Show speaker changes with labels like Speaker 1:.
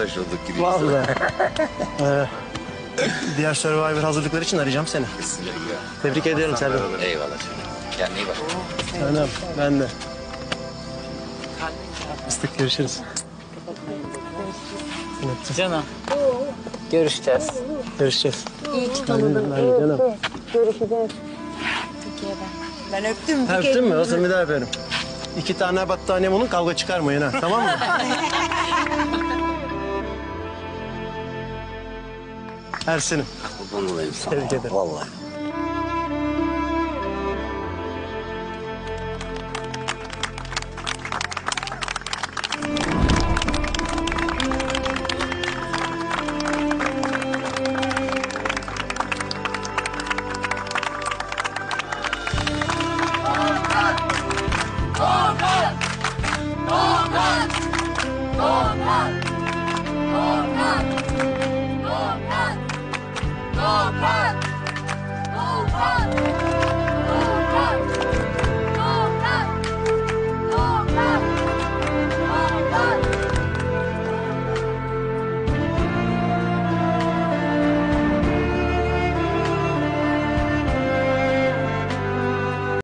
Speaker 1: arkadaş olduk gibi.
Speaker 2: Vallahi. Diğer Survivor hazırlıkları için arayacağım seni. Tebrik ediyorum Selvi.
Speaker 1: Eyvallah canım. Kendine iyi bak.
Speaker 2: Canım, ben de. Fıstık, görüşürüz.
Speaker 3: Canım. Görüşeceğiz.
Speaker 2: Görüşeceğiz.
Speaker 4: İyi ki tanıdım.
Speaker 2: Ben de canım.
Speaker 4: Görüşeceğiz. Ben öptüm.
Speaker 2: Öptün mü? O zaman bir daha öperim. 2 tane battaniye bunun, kavga çıkarmayın ha. Tamam mı? Ersin'im.
Speaker 1: Kurban olayım sana.
Speaker 2: Tebrik ederim.
Speaker 1: Vallahi.